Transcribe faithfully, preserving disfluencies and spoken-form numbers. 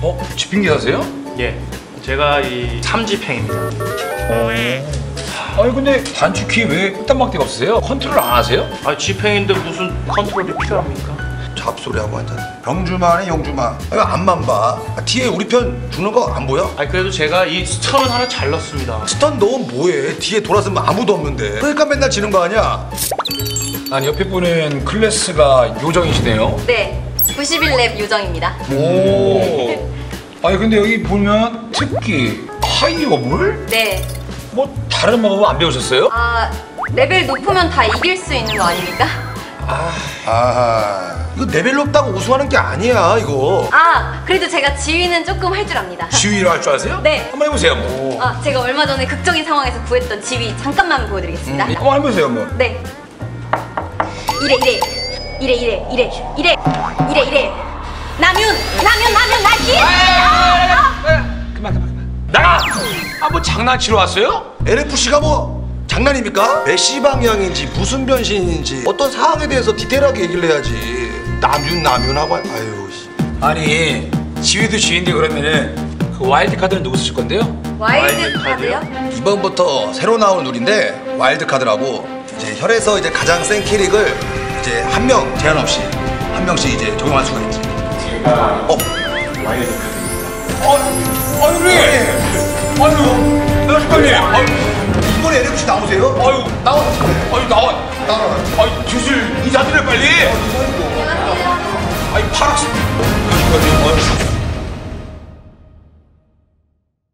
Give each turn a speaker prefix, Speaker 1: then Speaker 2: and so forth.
Speaker 1: 어? 집행기사세요?
Speaker 2: 예, 제가 이 삼집행입니다.
Speaker 1: 아니 근데 단축키 왜 흑단막대가 없으세요? 컨트롤 안 하세요?
Speaker 2: 아, 집행인데 무슨 컨트롤이 필요합니까?
Speaker 3: 잡소리하고 앉았네. 병주마네 용주마. 아, 앞만 봐. 아, 뒤에 우리 편 죽는 거 안 보여?
Speaker 2: 아, 그래도 제가 이 스턴은 하나 잘 넣습니다.
Speaker 3: 스턴 넣으면 뭐해? 뒤에 돌아서면 아무도 없는데. 그러니까 맨날 지는 거 아니야?
Speaker 1: 아니 옆에 분은 클래스가 요정이시네요.
Speaker 4: 네, 구십일 랩 요정입니다.
Speaker 1: 오. 아니 근데 여기 보면 특기 하이어물?
Speaker 4: 네.
Speaker 1: 뭐 다른 방법 안 배우셨어요?
Speaker 4: 아, 레벨 높으면 다 이길 수 있는 거 아닙니까?
Speaker 3: 아하. 이거 레벨 높다고 우승하는 게 아니야 이거.
Speaker 4: 아, 그래도 제가 지휘는 조금 할 줄 압니다.
Speaker 1: 지휘를 할 줄 아세요?
Speaker 4: 네.
Speaker 1: 한번 해보세요 뭐.
Speaker 4: 아, 제가 얼마 전에 극적인 상황에서 구했던 지휘 잠깐만 보여드리겠습니다.
Speaker 1: 음, 한번 해보세요 뭐.
Speaker 4: 네. 이래 이래 이래 이래 이래 이래 이래 이래 남윤 남윤 남윤 날기.
Speaker 1: 그만 그만 그만. 나가! 아뭐 장난치러 왔어요?
Speaker 3: 엔에프씨가 뭐 장난입니까? 메시 방향인지 무슨 변신인지 어떤 사항에 대해서 디테일하게 얘기를 해야지. 남윤 남윤 하고 아유 씨.
Speaker 1: 아니 지휘도 지휘인데 그러면은 그 와일드 카드는 누구 쓰실 건데요?
Speaker 4: 와일드
Speaker 2: 와일드
Speaker 4: 카드요?
Speaker 3: 이번부터 새로 나온 룰인데 와일드 카드라고 이제 혈에서 이제 가장 센 캐릭을 이제 한 명 제한 없이 한 명씩 이제 적용할 수가 있지.
Speaker 1: 제가
Speaker 3: 어.
Speaker 1: 와일드 카드입니다. 어, 아유 왜? 아유, 나식관님. 아유,
Speaker 3: 이번에 엔에프씨 나오세요?
Speaker 1: 아유 나와. 아유 나와.
Speaker 3: 나와.
Speaker 1: 아유 주술 인사드려 빨리.
Speaker 4: 안녕하세요.
Speaker 1: 아유 파락스. 나식관님. 아유.